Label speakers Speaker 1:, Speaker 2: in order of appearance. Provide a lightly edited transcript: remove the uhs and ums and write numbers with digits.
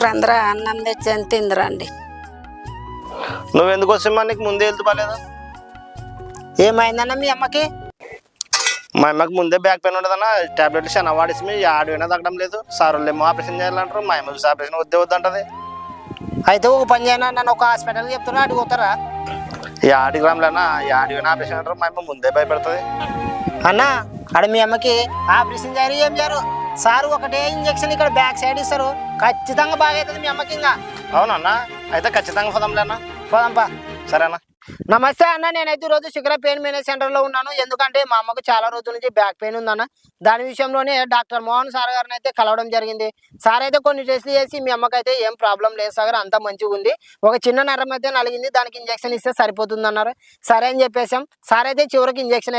Speaker 1: రంధ్ర అన్నం తెచ్చి ఎంత తిందిరండి.
Speaker 2: నువ్వెందుకు వస్తామా? నీకు ముందే వెళ్తూ బాగాలేదు.
Speaker 3: ఏమైందన్న మీ అమ్మకి?
Speaker 2: మా అమ్మకి ముందే బ్యాక్ పెయిన్ ఉండదన్న. టాబ్లెట్లు చాలా వాడేసి మీ ఆడిపోయినా తగ్గడం లేదు. సార్ వాళ్ళు ఏమో ఆపరేషన్ చేయాలంటారు. మా అమ్మకి ఆపరేషన్ వద్దే వద్దంటది.
Speaker 3: అయితే ఒక పని చేయనా, నన్ను ఒక హాస్పిటల్కి చెప్తున్నా, అడిగి పోతారా?
Speaker 2: ఈ ఆడి గ్రాములన్నా ఈ ఆడిపోయినా ఆపరేషన్ అంటారు. మా అమ్మ ముందే భయపడుతుంది.
Speaker 3: అన్న అక్కడ మీ అమ్మకి ఆపరేషన్ చేయరు, ఏం చేయరు. సారు ఒకటే ఇంజక్షన్ ఇక్కడ బ్యాక్ సైడ్ ఇస్తారు, ఖచ్చితంగా బాగా అవుతుంది మీ అమ్మకి. ఇంకా
Speaker 2: అవునన్నా, అయితే ఖచ్చితంగా పోదాంలే అన్న.
Speaker 3: పోదాంపా.
Speaker 2: సరేనా?
Speaker 3: నమస్తే అన్న, నేనైతే ఈరోజు శిఖర పెయిన్ మేనేజ్ సెంటర్లో ఉన్నాను. ఎందుకంటే మా అమ్మకు చాలా రోజుల నుంచి బ్యాక్ పెయిన్ ఉందన్న. దాని విషయంలోనే డాక్టర్ మోహన్ సార్ గారిని అయితే కలవడం జరిగింది. సార్ అయితే కొన్ని టెస్టులు చేసి మీ అమ్మకైతే ఏం ప్రాబ్లం లేదు సార్, అంతా మంచిగా ఉంది, ఒక చిన్న నరం అయితే నలిగింది, దానికి ఇంజక్షన్ ఇస్తే సరిపోతుంది అన్నారు. సరే అని చెప్పేసాం. సార్ అయితే చివరికి ఇంజక్షన్